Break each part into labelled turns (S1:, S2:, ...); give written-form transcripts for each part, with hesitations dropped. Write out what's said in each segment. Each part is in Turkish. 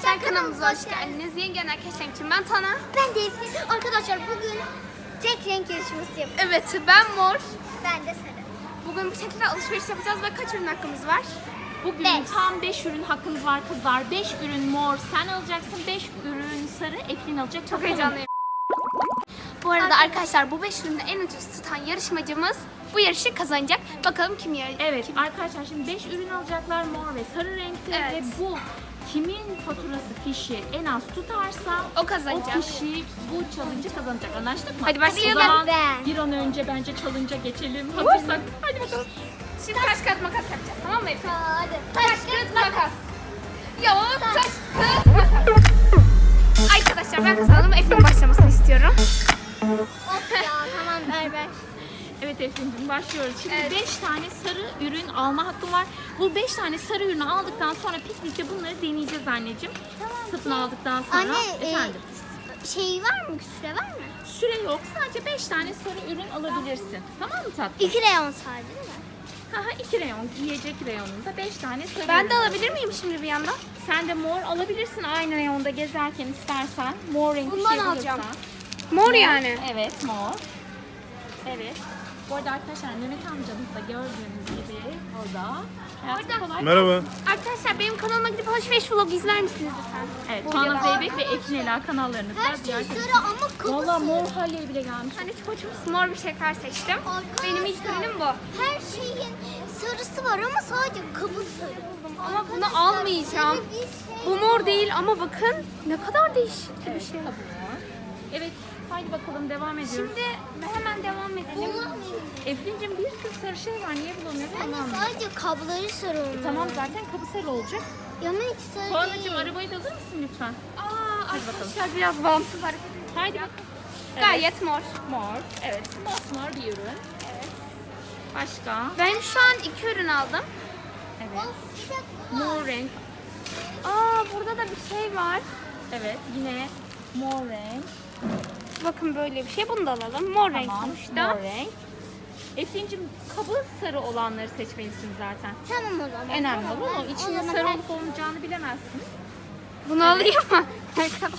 S1: Arkadaşlar kanalımıza hoş geldiniz. Yeni gelen arkadaşlar için ben Tana.
S2: Ben de Eflin. Arkadaşlar bugün tek renk yarışması yapıyoruz.
S1: Evet, ben mor.
S2: Ben de sarı.
S1: Bugün bu şekilde alışveriş yapacağız ve kaç ürün hakkımız var?
S3: Bugün
S2: Beş.
S3: tam 5 ürün hakkınız var kızlar. 5 ürün mor sen alacaksın, 5 ürün sarı Eflin alacak.
S1: Çok heyecanlıyım. Bu arada arkadaşlar bu 5 ürünü en ucuz tutan yarışmacımız bu yarışı kazanacak. Bakalım kim yarışacak?
S3: Evet arkadaşlar şimdi 5 ürün alacaklar mor ve sarı renkte
S1: Evet.
S3: ve bu kimin faturası fişi en az tutarsa
S1: O kazanacak.
S3: o kişi bu challenge'ı kazanacak. Anlaştık mı?
S1: Hadi başlayalım.
S3: O zaman
S2: Ben.
S3: bir an önce bence challenge'a geçelim. Hazırsak hadi bakalım.
S1: Şimdi taş kağıt makas yapacağız, tamam mı Efendim?
S2: Hadi.
S1: Taş kağıt makas. Ya taş kağıt makas. Arkadaşlar ben kazandım. Efendim başlamasını istiyorum.
S2: Of ya tamam ver.
S3: Evet Efendim başlıyoruz. Şimdi
S1: Evet.
S3: 5 tane sarı ürün alma hakkım var. Bu 5 tane sarı ürünü aldıktan sonra piknikte bunları deneyeceğiz anneciğim. Satın aldıktan sonra.
S2: Anne
S3: Efendim.
S2: şey var mı? Süre var mı?
S3: Süre yok. Sadece 5 tane sarı ürün alabilirsin. Tamam mı tatlım?
S2: 2 reyon sadece değil mi?
S3: Haha 2 reyon. Giyecek reyonunda 5 tane sarı
S1: Ben
S3: ürün
S1: de
S3: al.
S1: alabilir miyim şimdi bir yandan?
S3: Sen de mor alabilirsin aynı reyonda gezerken istersen. Mor renk bir
S1: Bundan
S3: şey
S1: alacağım.
S3: bulursan.
S1: Mor yani.
S3: Evet mor. Evet. Bu arada arkadaşlar Mehmet amcamız da gördüğünüz gibi o da. Hayatım kolay.
S4: Merhaba.
S1: Arkadaşlar benim kanalıma gidip alışveriş vlog izler misiniz lütfen?
S3: Evet, Tuana Zeybek ve Efrin Ela kanallarını
S2: Her
S3: da
S2: şey
S3: ziyaret edin.
S2: sarı ama kapı
S3: Valla
S2: sarı.
S3: mor halyeye bile gelmiş.
S1: Ben de çok mor bir şeker seçtim. Benim ilk ürünüm bu.
S2: Her şeyin sarısı var ama sadece kabı sarı.
S1: Ama bunu almayacağım.
S2: Sarı bir şey.
S1: Bu mor değil ama bakın ne kadar değişik bir
S3: Evet,
S1: şey.
S3: tabii mor. Evet, haydi bakalım devam ediyoruz.
S1: Şimdi hemen devam edelim.
S2: Bulamıyorum.
S3: Efrin'cim bir sürü sarı şey var. Niye bulamıyorsun?
S2: Anne
S3: Tamam.
S2: sadece kabları sarı onlar.
S3: Tamam zaten kabı sarı olacak.
S2: Ama hiç sarı
S3: Tuana'cığım
S2: değil.
S3: arabayı da alır mısın lütfen?
S1: Arkadaşlar biraz bağımsız hareket ediyor.
S3: Haydi bakalım.
S1: Gayet mor.
S3: Mor. Evet, mosmor bir ürün. Evet. Başka?
S1: Ben şu an 2 ürün aldım.
S3: Evet.
S2: Of, bir dakika.
S3: Mor renk.
S1: Burada da bir şey var.
S3: Evet, yine mor renk.
S1: Bakın böyle bir şey. Bunu da alalım. Mor renk
S3: Tamam,
S1: sonuçta.
S3: mor renk. Efrin'cim kabı sarı olanları seçmelisin zaten.
S2: Tamam o zaman.
S3: Önemli
S2: Tamam,
S3: olan o.
S2: ben-
S3: İçinde
S2: o zaman
S3: sarı
S2: ben-
S3: olup olmayacağını bilemezsin.
S1: Bunu alayım mı? Arkadaşlar.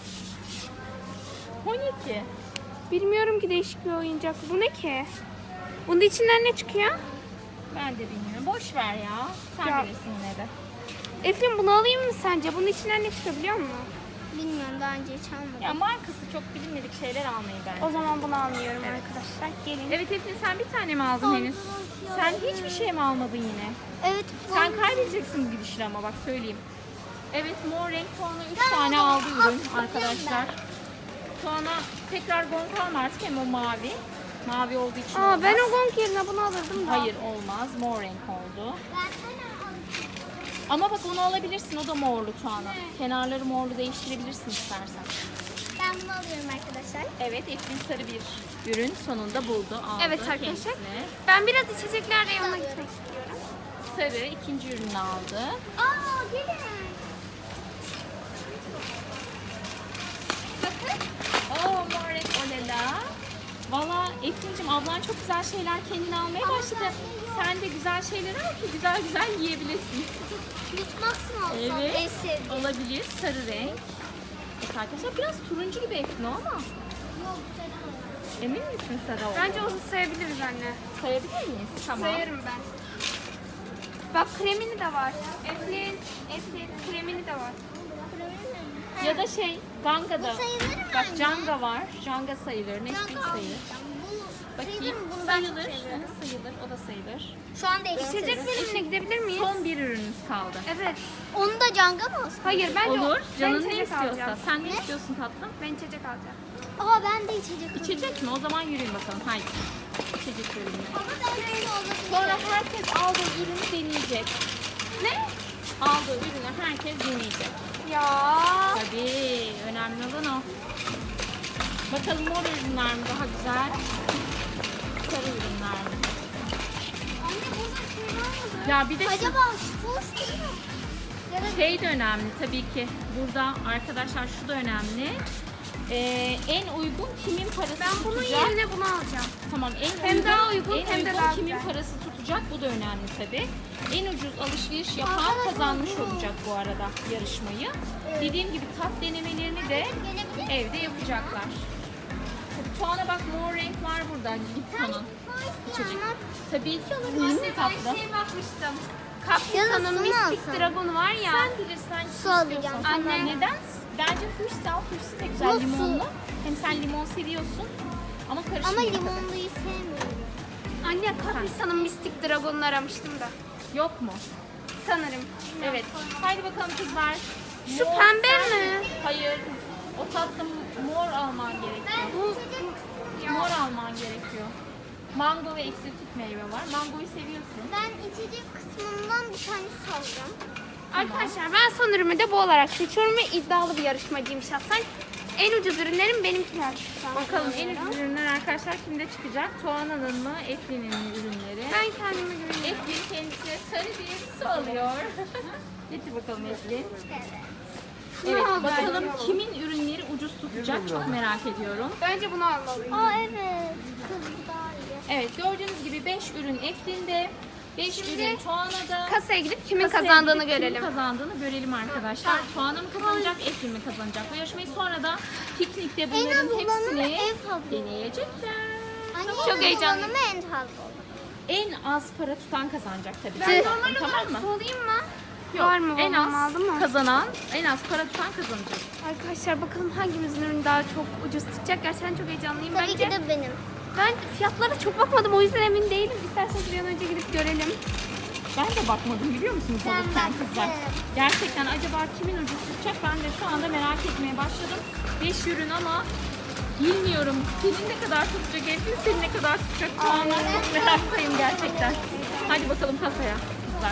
S3: 12.
S1: Bilmiyorum ki, değişik bir oyuncak. Bu ne ki? Bunun içinden ne çıkıyor?
S3: Ben de bilmiyorum. Boş ver ya. Sen
S1: Ya.
S3: bilirsin yine de.
S1: Eflin bunu alayım mı sence? Bunun içinden ne çıkıyor biliyor musun?
S2: Bilmiyorum daha önce hiç almadım.
S3: Ya markası çok bilinmedik şeyler almayı bence.
S1: O zaman bunu almıyorum arkadaşlar. Gelin.
S3: Evet Efrin sen bir tane mi aldın henüz? Sen hiçbir şey mi almadın yine?
S2: Evet.
S3: Sen kaybedeceksin bu gidişle ama bak söyleyeyim. Evet mor renk Tuana 3 tane aldı ürün arkadaşlar. Tuana tekrar gong alma artık hem o mavi. Mavi olduğu için olmaz.
S1: Ben o gong yerine bunu alırdım da.
S3: Hayır olmaz. Mor renk oldu.
S2: Ben sana aldım.
S3: Ama bak onu alabilirsin. O da morlu Tuana. Kenarları morlu değiştirebilirsin istersen.
S2: Ben bunu alıyorum arkadaşlar.
S3: Evet Efrin sarı bir ürün sonunda buldu. Aldı
S1: Evet arkadaşlar.
S3: kendisine.
S1: Ben biraz içecekler reyonuna gitmek istiyorum.
S3: Sarı ikinci ürünü aldı.
S2: Aa gelin.
S3: Oo mor renk olela. Valla Efrin'cim ablan çok güzel şeyler kendine almaya başladı. Sen de güzel şeyler al ki güzel güzel yiyebilesin.
S2: Yutmaksın olsam en
S3: Evet.
S2: sevdiğim.
S3: Olabilir sarı renk. Evet arkadaşlar biraz turuncu gibi Efrin o ama.
S2: Yok sarı.
S3: Emin misin sarı olduğunu?
S1: Bence onu sayabiliriz anne.
S3: Sayabilir miyiz? Tamam.
S1: Sayarım ben. Bak kremini de var. Eflin kremini de var.
S3: Ya da şey Ganga da.
S2: Bu sayılır mı
S3: Bak
S2: anne?
S3: Janga var. Janga sayılır. Nesquik sayılır. Bakayım. Sayılır. Aha, sayılır. O da sayılır.
S2: Şu anda
S1: İçecek bölümüne gidebilir miyiz?
S3: Son bir ürünümüz kaldı.
S1: Evet.
S2: Onu da canga mı olsun?
S1: Hayır bence
S3: Olur.
S1: ben
S3: Canın ne
S1: içecek
S3: istiyorsa.
S1: alacağım.
S3: Sen ne istiyorsun tatlım?
S1: Ben içecek alacağım.
S2: Aa ben de içecek alayım.
S3: İçecek mi? O zaman yürüyün bakalım. Haydi. İçecek bölümüne.
S2: Ama ben böyle olabilir.
S3: Sonra herkes aldığı ürünü deneyecek.
S1: Ne?
S3: Aldığı ürünü herkes deneyecek.
S1: Ya.
S3: Tabii. Önemli olan o. Bakalım mor ürünler mi daha güzel? Sarı ürünler mi?
S2: Anne burada şey var mı?
S3: Ya bir de şu
S2: Acaba şu değil mi? Ya da
S3: şey de önemli tabii ki. Burada arkadaşlar şu da önemli. En uygun kimin parası
S1: Ben bunun
S3: tutacak?
S1: yerine bunu alacağım.
S3: Tamam en
S1: Hem
S3: uygun,
S1: daha uygun,
S3: en
S1: hem de
S3: uygun
S1: daha
S3: kimin
S1: güzel.
S3: parası tutacak tutacak. Bu da önemli tabii. En ucuz alışveriş yapan kazanmış olacak bu arada yarışmayı. Dediğim gibi tat denemelerini de evde yapacaklar. Tabii Tuana bak mor renk var burada. Lipton'un içecek. Tabii ki alabilirsin
S1: Ben
S3: tatlı.
S1: şey bakmıştım.
S2: Yarısını
S1: Caprison'un Mystic
S2: alsana.
S1: Dragon var ya.
S3: Sen bilirsen
S2: Su alacağım.
S3: Anne.
S1: Anne.
S3: Neden? Bence Fuchsia al. Fuchsia de güzel
S2: Nasıl?
S3: limonlu. Hem sen limon seviyorsun. Ama
S2: Ama
S3: karışmıyor.
S2: limonluyu sevmiyorum.
S1: Anne Caprison'un Mystic Dragon'unu aramıştım da.
S3: Yok mu?
S1: Sanırım.
S3: Evet. Haydi bakalım kızlar.
S1: Şu
S3: Mor
S1: pembe
S3: sen-
S1: mi?
S3: Hayır. O tatlı mor alman gerekiyor. Mor alman gerekiyor. Mango ve eksotik meyve var. Mangoyu seviyorsun.
S2: Ben içecek kısmından bir tane alacağım.
S1: Arkadaşlar ben son ürünü de bu olarak seçiyorum ve iddialı bir yarışmacıyım şahsen. En ucuz ürünlerim benimkiler.
S3: Bakalım en ucuz ürünler arkadaşlar kimde çıkacak? Tuana'nın mı? Eflin'in mi ürünleri?
S1: Ben kendime güveniyorum.
S3: Eflin kendisine sarı bir su alıyor. Getir bakalım Eflin. Evet
S1: al
S3: bakalım
S1: bence.
S3: kimin ürünleri ucuz tutacak çok merak ediyorum.
S1: Bence bunu almalıyım.
S2: Aa evet. Kız bu daha iyi.
S3: Evet gördüğünüz gibi 5 ürün Eflin'de, 5 ürün Tuana'da.
S1: Kasaya gidip kimin
S3: Kasaya
S1: kazandığını
S3: gidip
S1: görelim.
S3: Kimin kazandığını görelim arkadaşlar. Tuana mı kazanacak, Eflin mi kazanacak? Bu yarışmayı sonra da piknikte
S2: En
S3: bunların
S2: az olanı
S3: hepsini
S2: en fazla.
S3: deneyecekler.
S2: Anne,
S1: Çok
S2: en az
S1: heyecanlıyım.
S2: olanı en fazla olur.
S3: En az para tutan kazanacak tabii.
S1: Ben
S3: ki.
S1: normal
S3: Tamam
S1: olarak
S3: mı?
S1: solayım mı?
S3: Yok,
S1: Var mı?
S3: en
S1: Babam
S3: az
S1: aldı mı?
S3: kazanan, en az para tutan kazanacak.
S1: Arkadaşlar bakalım hangimizin ürünü daha çok ucuz tutacak. Gerçekten çok heyecanlıyım.
S2: Tabii
S1: Bence
S2: ki de benim.
S1: ben fiyatlara çok bakmadım. O yüzden emin değilim. İsterseniz bir an önce gidip görelim.
S3: Ben de bakmadım biliyor musunuz
S2: Ben
S3: alırken
S2: baktım.
S3: kızlar. Gerçekten acaba kimin ucuz tutacak ben de şu anda merak etmeye başladım. 5 ürün ama bilmiyorum senin ne kadar tutacak Eflin, senin ne kadar tutacak şu anda çok meraktayım gerçekten. Hadi bakalım kasaya kızlar.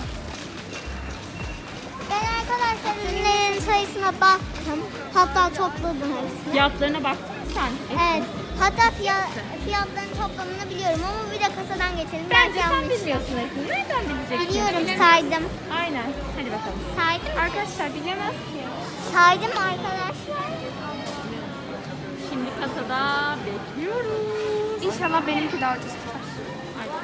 S2: Ben arkadaşlar ürünlerin sayısına baktım. Hatta topladım hepsini.
S3: Fiyatlarına baktın mı sen?
S2: Evet. Hatta fiyatların toplamını biliyorum ama bir de kasadan geçelim.
S3: Bence
S2: Belki
S3: sen
S2: yanlış.
S3: bilmiyorsun Eflin. Nereden bileceksin?
S2: Biliyorum, saydım.
S3: Aynen. Hadi bakalım.
S2: Saydım.
S1: Arkadaşlar bilemez ki.
S2: Saydım arkadaşlar.
S3: Şimdi kasada bekliyoruz.
S1: İnşallah benimki daha ucuz tutar.
S3: Hadi.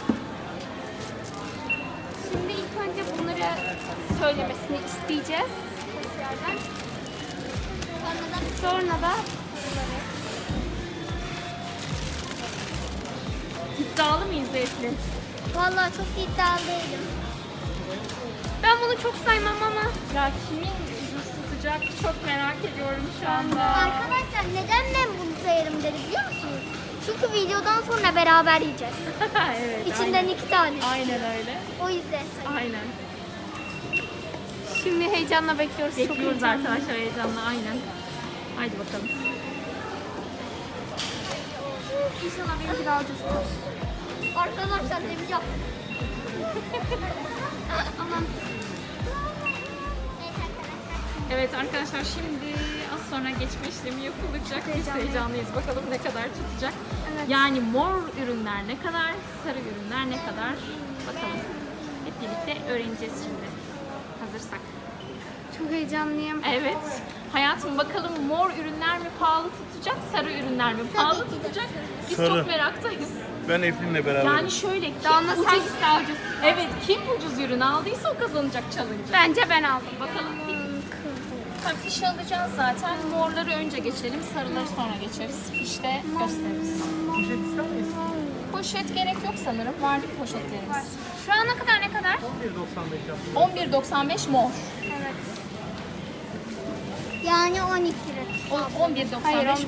S1: Şimdi ilk önce bunları söylemesini isteyeceğiz. Kasiyerden. Sonra da
S3: İddialı mıyız Eflin?
S2: Vallahi çok iddialı değilim.
S1: ben bunu çok saymam ama
S3: Ya kimin ucuz tutacak çok merak ediyorum şu anda.
S2: Arkadaşlar neden ben bunu sayarım dedi biliyor musunuz? Çünkü videodan sonra beraber yiyeceğiz.
S3: Evet.
S2: İçinden
S3: aynen.
S2: 2 tane.
S3: Aynen öyle.
S2: O yüzden sayıyorum.
S3: Aynen.
S1: şimdi heyecanla bekliyoruz. Çok
S3: Bekliyoruz
S1: heyecanlı.
S3: arkadaşlar heyecanla aynen. Haydi bakalım.
S1: İnşallah benimki daha ucuz tutar.
S2: Arkadaşlar ne bileyim.
S1: Aman.
S3: Evet arkadaşlar şimdi az sonra geçme işlemi yapılacak. Biz heyecanlıyız. Bakalım ne kadar tutacak.
S1: Evet.
S3: Yani mor ürünler ne kadar, sarı ürünler ne kadar bakalım. Hep birlikte öğreneceğiz şimdi. Hazırsak.
S1: Çok heyecanlıyım.
S3: Evet. Hayatım bakalım mor ürünler mi pahalı tutacak, sarı ürünler mi pahalı
S2: ki de
S3: tutacak? Biz
S4: Sarı.
S3: çok meraktayız.
S4: Ben Eflin'le beraber.
S3: Yani şöyle kim
S1: Damla
S3: ucuz,
S1: hangisi daha ucuz?
S3: evet kim ucuz ürün aldıysa o kazanacak challenge.
S1: Bence ben aldım.
S3: Bakalım fiş alacağız zaten. Morları önce geçelim, sarıları sonra geçeriz. Fişte gösteririz. Poşet gerek yok sanırım. Vardı poşetlerimiz.
S1: Şu ana kadar ne kadar?
S3: 11.95 mor.
S1: Evet.
S2: Yani 12 lira.
S3: 11.95
S1: Hayır
S3: mor.
S1: 11.95.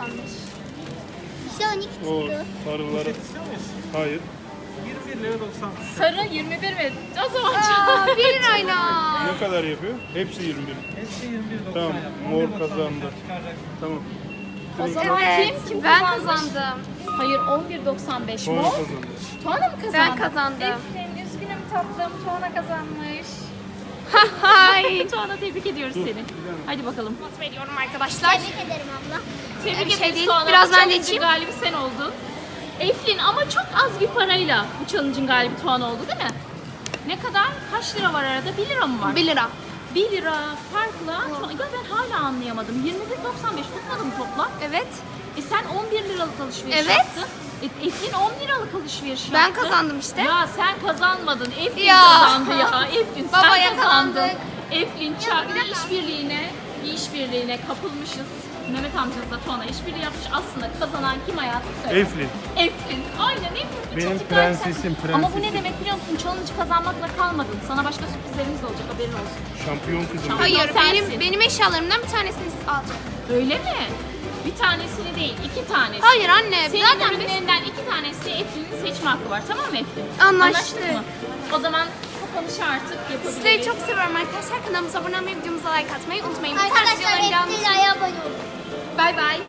S2: İşte 12
S4: O
S2: çıktı.
S4: sarıları. Hayır.
S5: 21 lira 90.
S3: Sarı 21 mi? O zaman
S1: Aa, 1 lirayla.
S4: Ne kadar yapıyor? Hepsi 21.
S5: Hepsi 21 90.
S4: Tamam, mor kazandı. Tamam.
S3: o zaman
S1: Evet,
S3: kim
S1: ben
S3: kazanmış?
S1: kazandım.
S3: Hayır 11.95
S4: Sonra
S3: mor.
S4: kazandı.
S3: Tuana mı kazandı?
S1: Ben kazandım.
S3: Efendim üzgünüm tatlım. Tuana kazanmış.
S1: Hay.
S3: Tuana tebrik ediyoruz seni. Hadi bakalım.
S1: Not veriyorum arkadaşlar.
S2: Tebrik ederim abla.
S3: Tebrik
S1: Bir şey
S3: ederiz
S1: değil,
S3: Tuana.
S1: biraz ben de
S3: Challenge'ın
S1: içeyim.
S3: galibi sen oldun. Eflin ama çok az bir parayla bu challenge'ın galibi Tuana oldu değil mi? Ne kadar? Kaç lira var arada? 1 lira mı var?
S1: 1 lira.
S3: 1 lira farkla. Ya ben hala anlayamadım. 21.95 tutmadı mı toplam?
S1: Evet.
S3: Sen 11 liralık alışveriş
S1: Evet.
S3: yaptın. Eflin 10 liralık alışveriş yaptı.
S1: Ben kazandım işte.
S3: Ya sen kazanmadın. Eflin
S1: Ya.
S3: kazandı ya. Eflin sen
S1: Babaya
S3: kazandın.
S1: kazandık.
S3: Eflin Çarkı işbirliğine kapılmışız. Mehmet amcanızla Tuana işbirliği yapmış. Aslında kazanan kim hayatım söyle.
S4: Eflin.
S3: Eflin. Aynen Eflin. Bu
S4: Benim
S3: çocuk gerçekten-
S4: prensesim,
S3: Ama bu ne
S4: prensesim.
S3: demek biliyor musun? Challenge kazanmakla kalmadın. Sana başka sürprizlerimiz de olacak, haberin olsun.
S4: Şampiyon kızım.
S3: Şampiyon.
S1: Hayır,
S3: sensin.
S1: benim eşyalarımdan bir tanesini alacak.
S3: Öyle mi? Bir tanesini değil, 2 tanesi.
S1: Hayır anne,
S3: Senin
S1: zaten biz...
S3: ürünlerinden 2 tanesi Eflin'in seçme hakkı var. Tamam mı Eflin?
S1: Anlaştık.
S3: mı? O zaman kapanışı artık yapabiliriz.
S1: Sizleri çok seviyorum arkadaşlar. Kanalımıza abone olmayı, videomuza like atmayı unutmayın. Bu tarz
S2: Arkadaşlar
S1: videoların devamı
S2: hepsi
S1: için-
S2: ayağa bayılıyor.
S1: Bay bay.